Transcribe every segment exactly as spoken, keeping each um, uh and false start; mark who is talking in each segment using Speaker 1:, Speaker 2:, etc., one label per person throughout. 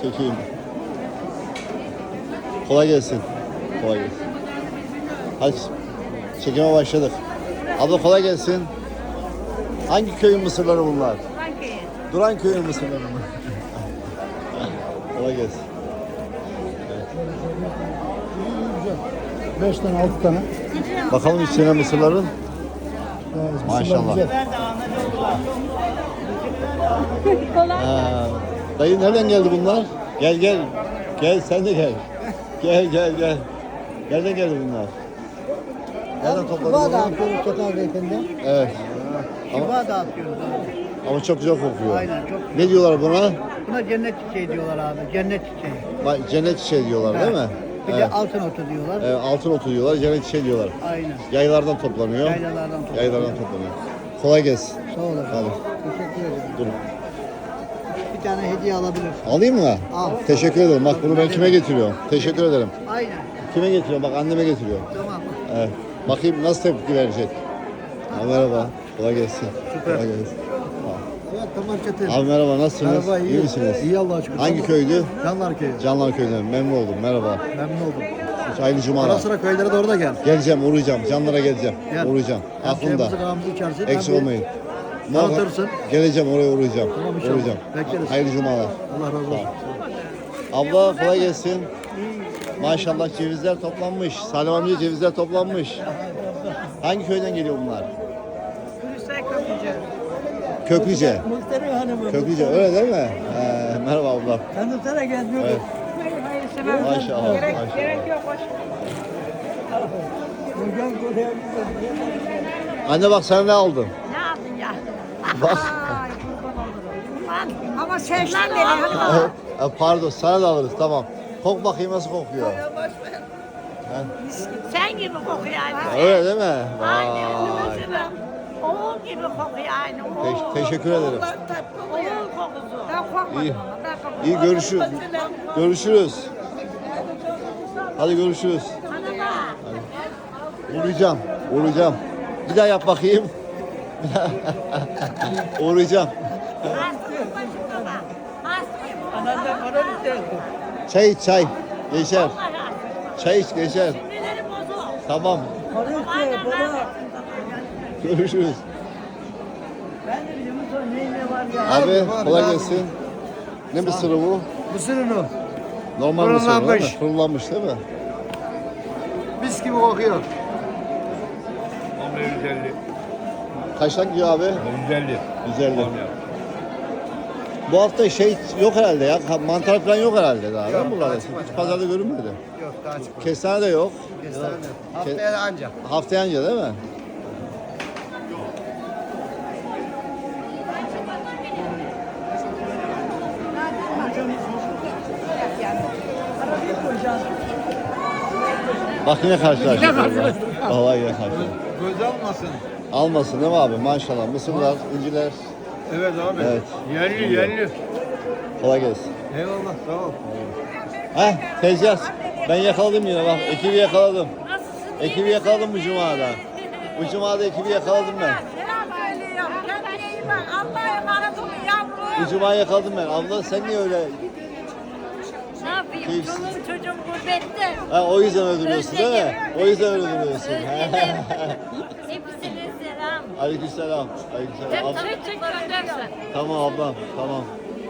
Speaker 1: Çekeyim. Kolay gelsin. Kolay gelsin. Hadi çekime başladık. Abla kolay gelsin. Hangi köyün mısırları bunlar?
Speaker 2: Duran köyü.
Speaker 1: Duran köyün mısırları mı? Kolay gelsin.
Speaker 3: Beş tane, altı tane.
Speaker 1: Bakalım içine mısırların.
Speaker 3: Evet,
Speaker 1: Maşallah.
Speaker 3: güzel.
Speaker 2: Kolay.
Speaker 1: Ha, dayı nereden geldi bunlar? Gel gel. Gel sen de gel. Gel gel gel. Nereden geldi bunlar? Nereden topladın
Speaker 3: Şifa
Speaker 1: bunu?
Speaker 3: dağıtıyoruz Çatal Beyefendi.
Speaker 1: Evet.
Speaker 4: Şifa dağıtıyoruz abi.
Speaker 1: Ama çok güzel kokuyor.
Speaker 4: Aynen, çok güzel.
Speaker 1: Ne diyorlar buna?
Speaker 4: Buna cennet çiçeği diyorlar abi. Cennet çiçeği.
Speaker 1: Bak, cennet çiçeği diyorlar değil mi?
Speaker 4: Bir
Speaker 1: Evet.
Speaker 4: de altın otu diyorlar.
Speaker 1: Evet, altın otu diyorlar, cennet çiçeği diyorlar.
Speaker 4: Aynen.
Speaker 1: Yaylardan toplanıyor.
Speaker 4: Yaylalardan toplanıyor.
Speaker 1: Yaylardan toplanıyor. Kolay gelsin.
Speaker 4: Sağ ol efendim.
Speaker 1: Hadi.
Speaker 4: Teşekkür ederim.
Speaker 1: Dur.
Speaker 4: Bir tane hediye alabilirsin.
Speaker 1: Alayım mı?
Speaker 4: Al.
Speaker 1: Teşekkür ederim. Bak bunu ben kime getiriyorum? Teşekkür ederim.
Speaker 4: Aynen.
Speaker 1: Kime getiriyorum? Bak anneme getiriyorum.
Speaker 4: Tamam.
Speaker 1: Evet. Bakayım nasıl tepki verecek. Ha, merhaba. Kolay gelsin.
Speaker 4: Süper.
Speaker 1: Kolay gelsin.
Speaker 3: Evet, tamam Çetin.
Speaker 1: Abi merhaba, nasılsınız?
Speaker 3: Merhaba, iyi.
Speaker 1: misiniz?
Speaker 3: İyi Allah'a şükür.
Speaker 1: Hangi köydü?
Speaker 3: Canlar Köyü.
Speaker 1: Canlar Köyü'nden. Memnun oldum. Merhaba.
Speaker 3: Memnun oldum.
Speaker 1: Hayırlı cumalar.
Speaker 3: Ara sıra köylere doğru da gel.
Speaker 1: Geleceğim, uğrayacağım. Canlara geleceğim.
Speaker 3: Gel.
Speaker 1: Uğrayacağım.
Speaker 3: Hem
Speaker 1: Aklımda.
Speaker 3: çayımızı kahvemizi içersin.
Speaker 1: Eksik
Speaker 3: hem de
Speaker 1: olmayın.
Speaker 3: tanıtırsın.
Speaker 1: Geleceğim, oraya uğrayacağım.
Speaker 3: Tamam, inşallah.
Speaker 1: Uğrayacağım.
Speaker 3: Bekleriz.
Speaker 1: Hayırlı cumalar.
Speaker 3: Allah razı olsun.
Speaker 1: Abla kolay gelsin. Maşallah cevizler toplanmış. Salim amca cevizler toplanmış. Hangi köyden geliyor bunlar?
Speaker 2: Hüseyin Köprücü.
Speaker 1: Köklüce.
Speaker 3: Muhterem Hanım'ım.
Speaker 1: Köklüce öyle değil mi? Ee, merhaba abla.
Speaker 3: Tanıtsana kendini.
Speaker 1: Evet.
Speaker 2: Hayır hayır istemem.
Speaker 1: Maşallah,
Speaker 2: Gerek,
Speaker 1: maşallah.
Speaker 2: gerek yok. Hoş.
Speaker 3: Hocam buraya
Speaker 1: Anne bak sen ne aldın?
Speaker 2: Ne aldın ya?
Speaker 1: Bak.
Speaker 2: Ay kurban olurum. Lan, ama sevmem beni. Hadi
Speaker 1: Evet,
Speaker 2: bak.
Speaker 1: e, pardon sana da alırız tamam. Kok bakayım nasıl kokuyor.
Speaker 2: Sen gibi kokuyor aynı.
Speaker 1: Öyle değil mi?
Speaker 2: Aynı.
Speaker 1: Vay.
Speaker 2: Mesela oğul gibi kokuyor aynı. Oğul.
Speaker 1: Te- teşekkür ederim.
Speaker 2: Oğul kokusu. Ben korkmadım.
Speaker 1: İyi.
Speaker 2: ama, Ben korkmadım.
Speaker 1: İyi görüşürüz. Görüşürüz. Hadi görüşürüz.
Speaker 2: Bana bak.
Speaker 1: Uğrayacağım. Uğrayacağım. Bir daha yap bakayım. Uğrayacağım.
Speaker 2: Hastayım başımda bak. Hastayım.
Speaker 1: Çay iç çay. Geçer.
Speaker 2: Vallahi hastayım.
Speaker 1: Çay iç geçer.
Speaker 2: Sinirlerim bozuk.
Speaker 1: Tamam.
Speaker 2: Aynen ben.
Speaker 1: Görüşürüz.
Speaker 4: Ben de biliyorum sonra neyin ne var ya.
Speaker 1: Abi
Speaker 3: var,
Speaker 1: kolay
Speaker 3: var.
Speaker 1: gelsin. Ne mısırı bu?
Speaker 3: Mısır unu.
Speaker 1: Normal mısır değil mi?
Speaker 3: Fırınlanmış.
Speaker 1: Fırınlanmış değil mi?
Speaker 3: Mis gibi kokuyor.
Speaker 5: yüz elli.
Speaker 1: Kaçtan gidiyor abi?
Speaker 5: yüz elli.
Speaker 1: yüz elli. Bu hafta şey yok herhalde ya. Mantar falan yok herhalde daha. Yok, buralarda. Hiç pazarda görünmedi.
Speaker 3: Yok daha çıkmadı.
Speaker 1: Kestane de yok.
Speaker 3: Kestane. Haftaya da anca.
Speaker 1: Haftaya anca değil mi? Bak yine karşılaştık. Vallahi yine karşılaştık.
Speaker 5: Göz almasın.
Speaker 1: Almasın değil mi abi? Maşallah. Mısırlar, inciler.
Speaker 5: Evet abi.
Speaker 1: Evet.
Speaker 5: Yerli yerli.
Speaker 1: Kolay gelsin.
Speaker 5: Eyvallah sağ ol.
Speaker 1: Heh, tezgah. Ben yakaladım yine bak. Ekibi yakaladım. Ekibi yakaladım bu cumada. Bu cumada ekibi yakaladım ben.
Speaker 2: Selam söylüyorum. Kendine iyi bak. Allah'a emanet olun yavrum.
Speaker 1: Bu cumayı yakaladım ben. Abla sen niye öyle?
Speaker 2: Ne yapayım?
Speaker 1: Keyifsiz.
Speaker 2: Çoluğum çocuğum gurbette.
Speaker 1: Ha, o yüzden öldürüyorsun değil mi? O yüzden öldürüyorsun.
Speaker 2: Özledim. Hepsine selam.
Speaker 1: Aleykümselam. Aleykümselam.
Speaker 2: Hep
Speaker 1: Ab-
Speaker 2: tanıştık göndersen.
Speaker 1: Tamam ablam. Tamam.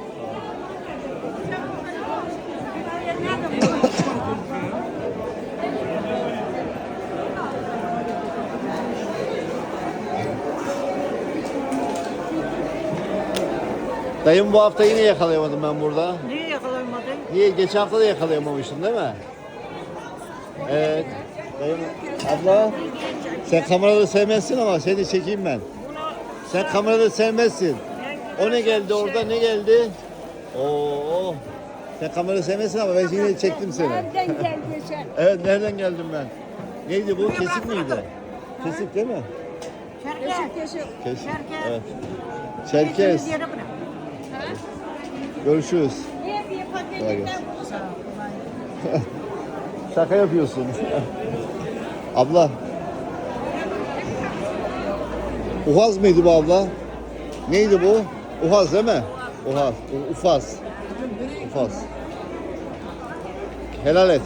Speaker 1: Dayım bu hafta yine yakalayamadım ben burada.
Speaker 4: Niye yakalayamadın?
Speaker 1: Niye? Geçen hafta da yakalayamamıştın değil mi? Evet. Dayım, abla sen kamerada sevmezsin ama seni çekeyim ben. Sen kamerada sevmezsin. O ne geldi orada ne geldi? Oo. Sen kamerada sevmezsin ama ben yine çektim seni.
Speaker 2: Nereden geldin sen?
Speaker 1: Evet nereden geldim ben? Neydi bu? Kesik miydi? Kesik değil mi?
Speaker 2: Kesik kesik.
Speaker 1: Kesik.
Speaker 2: Çerkez.
Speaker 1: Evet. Çerkez.
Speaker 2: Yere bırak.
Speaker 1: Görüşürüz.
Speaker 2: Niye bir
Speaker 1: Kolay
Speaker 2: paketinden
Speaker 1: gelsin.
Speaker 2: bunu
Speaker 1: Şaka yapıyorsun. Abla. Uhaz mıydı bu abla? Neydi bu? Uhaz değil mi? Uhaz. U- Ufaz. Ufaz. Helal et.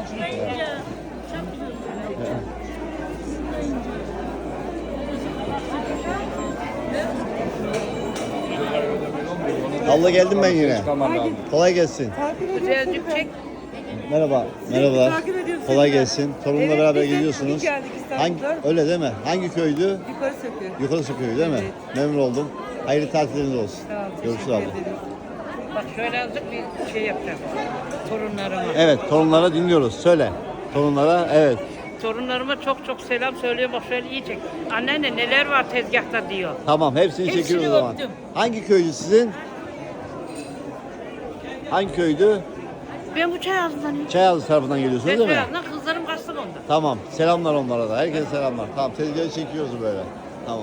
Speaker 1: Abla geldim ben yine. Kolay gelsin.
Speaker 2: Birazcık çek.
Speaker 1: Merhaba. Merhaba.
Speaker 2: takip ediyorum
Speaker 1: Kolay
Speaker 2: seni ben.
Speaker 1: gelsin. Torunla
Speaker 2: Evet,
Speaker 1: beraber
Speaker 2: biz de
Speaker 1: gidiyorsunuz.
Speaker 2: bugün geldik İstanbul'dan.
Speaker 1: Hangi, öyle değil mi? Hangi köydü?
Speaker 2: Yukarı söküyor.
Speaker 1: Yukarı Köyü değil mi? Memnun oldum. Hayırlı tatilleriniz olsun.
Speaker 2: Sağ ol,
Speaker 1: Görüşürüz
Speaker 2: teşekkür
Speaker 1: abla.
Speaker 2: ederim. Bak şöyle azıcık bir şey yapacağım. Torunlarıma.
Speaker 1: Evet, torunlara dinliyoruz. Söyle. Torunlara, evet.
Speaker 2: Torunlarıma çok çok selam söylüyor. Bak şöyle iyi çek. Anneanne neler var tezgahta diyor.
Speaker 1: Tamam, hepsini,
Speaker 2: Hepsini
Speaker 1: çekiyoruz o zaman.
Speaker 2: öptüm.
Speaker 1: Hangi köydü sizin? Hangi köydü?
Speaker 2: Ben bu çay ağzından
Speaker 1: Çayazı tarafından geliyorsunuz
Speaker 2: Ben
Speaker 1: değil mi?
Speaker 2: çay ağzından kızlarım kaçsın onda.
Speaker 1: Tamam, selamlar onlara da. Herkese selamlar. Tamam, tezgahı çekiyoruz böyle. Tamam.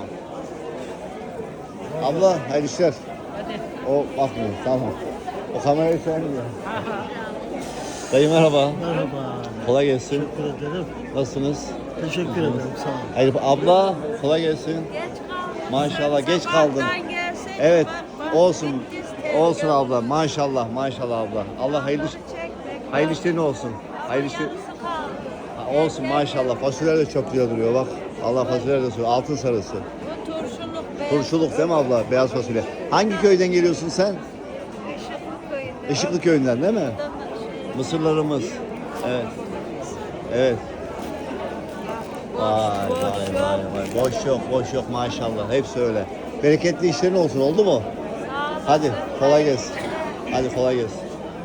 Speaker 1: Abla, hayırlı işler.
Speaker 2: Hadi.
Speaker 1: O bakmıyor, tamam. O kamerayı sen diyor. Dayı merhaba.
Speaker 4: Merhaba.
Speaker 1: Kolay gelsin.
Speaker 4: Teşekkür ederim.
Speaker 1: Nasılsınız?
Speaker 4: Teşekkür ederim. Sağ olun.
Speaker 1: Hayır, abla kolay gelsin. Maşallah geç kaldın. Evet, olsun. Olsun abla. Maşallah, maşallah abla. Allah hayırlı hayırlı işlerin olsun. Hayırlı işler. Ha, olsun maşallah. Fasulyeler de çok güzel duruyor bak. Allah fasulyeler de söylüyor. Altın sarısı.
Speaker 2: Bu turşuluk be.
Speaker 1: Turşuluk değil mi abla? Beyaz fasulye. Hangi köyden geliyorsun sen?
Speaker 2: Işıklı köyünde.
Speaker 1: Işıklı köyünden değil mi? Mısırlarımız. Evet. Evet. Vay vay vay vay. Boş yok, boş yok maşallah. Hepsi öyle. Bereketli işlerin olsun, oldu mu? Hadi kolay gelsin. Hadi kolay gelsin.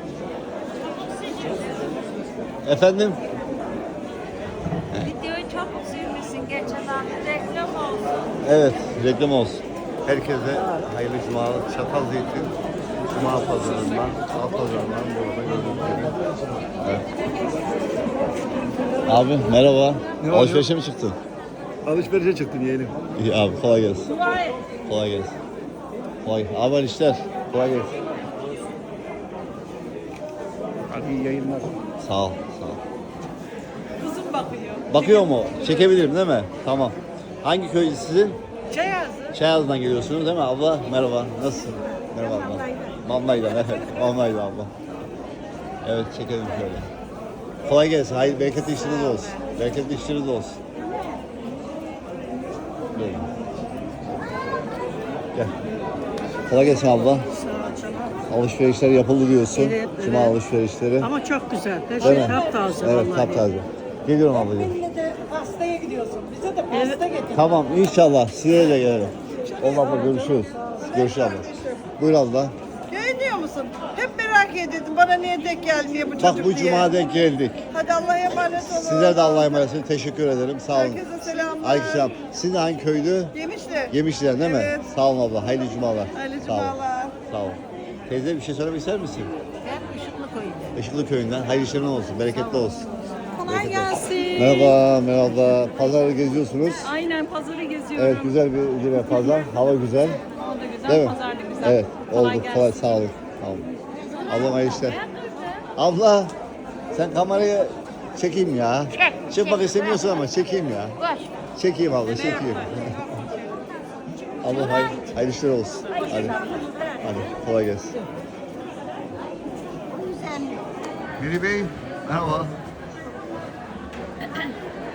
Speaker 1: Efendim?
Speaker 2: Videoyu çok sevmişsin. Geçen hafta reklam olsun.
Speaker 1: Evet, reklam olsun. Herkese hayırlı cumalar. Çatal Zeytin Cuma pazarından, Alt pazarından burada gördüğünüz gibi. Evet. Abi merhaba.
Speaker 5: Ne var
Speaker 1: Alışverişe mi çıktın?
Speaker 5: Alışverişe çıktım yeğenim.
Speaker 1: İyi abi kolay gelsin. Kolay gelsin. Kolay. Abi hayırlı işler. Kolay gelsin.
Speaker 5: Hadi iyi yayınlar.
Speaker 1: Sağ ol. Sağ ol.
Speaker 2: Kızım bakıyor.
Speaker 1: Bakıyor mu? Çekebilirim değil mi? Tamam. Hangi köy sizin?
Speaker 2: Çay ağzı.
Speaker 1: Çayaz'dan geliyorsunuz değil mi abla? Merhaba. Nasılsın? Merhaba abla. Mamlay'dan. Evet. Mamlay'dan abla. Evet çekelim şöyle. Kolay gelsin. Hayır bereketli işleriniz olsun. Bereketli işleriniz olsun. Böyle. Gel. Kolay gelsin abla. Alışverişler yapıldı diyorsun.
Speaker 4: Evet,
Speaker 1: Cuma
Speaker 4: evet.
Speaker 1: alışverişleri.
Speaker 4: Ama çok güzel. Her
Speaker 1: Değil
Speaker 4: şey
Speaker 1: mi?
Speaker 4: taptaze
Speaker 1: Evet
Speaker 4: vallahi.
Speaker 1: taptaze. Geliyorum ablacığım.
Speaker 2: Benimle de pastaya gidiyorsun. Bize de pasta getir.
Speaker 1: Tamam inşallah size de gelirim. Oldu abla görüşürüz. Görüşürüz abla. Buyur abla.
Speaker 2: Görüyor musun? Hep merak ediyordum. Bana niye denk gelmiyor bu çocuk
Speaker 1: Bak bu
Speaker 2: diye.
Speaker 1: cuma denk geldik.
Speaker 2: Hadi Allah'a emanet olun.
Speaker 1: Sizler de Allah'a emanetsiniz. Teşekkür ederim. Sağ olun.
Speaker 2: Herkese selamlar.
Speaker 1: Aleykümselam. Sizin hangi köydü?
Speaker 2: Yemişler.
Speaker 1: Yemişler değil mi?
Speaker 2: Evet.
Speaker 1: Sağ olun abla. Hayırlı cumalar.
Speaker 2: Hayırlı
Speaker 1: Sağ olun.
Speaker 2: cumalar.
Speaker 1: Sağ olun. Teyze bir şey söylemek ister misin?
Speaker 2: Ben Işıklı köyünde.
Speaker 1: Işıklı köyünden. Hayırlı işlerin olsun. Bereketli olsun.
Speaker 2: Kolay gelsin.
Speaker 1: Merhaba, merhaba. Pazarı geziyorsunuz.
Speaker 6: Aynen pazarı geziyorum.
Speaker 1: Evet, güzel bir yine pazar. Hava güzel.
Speaker 6: O da güzel,
Speaker 1: Değil mi?
Speaker 6: pazar da güzel.
Speaker 1: Evet,
Speaker 6: Kolay
Speaker 1: oldu.
Speaker 6: gelsin.
Speaker 1: Kolay, sağ olun. Sağ olun. Ablam hayırlı işler. Abla, sen kamerayı çekeyim ya.
Speaker 2: Çek,
Speaker 1: Çıkmak
Speaker 2: çek.
Speaker 1: istemiyorsun ama çekeyim ya.
Speaker 2: Koş.
Speaker 1: Çekeyim abla, çekeyim. Allah hayır, hayırlı işler olsun. Hadi. Hadi, kolay gelsin. Miri Bey, merhaba.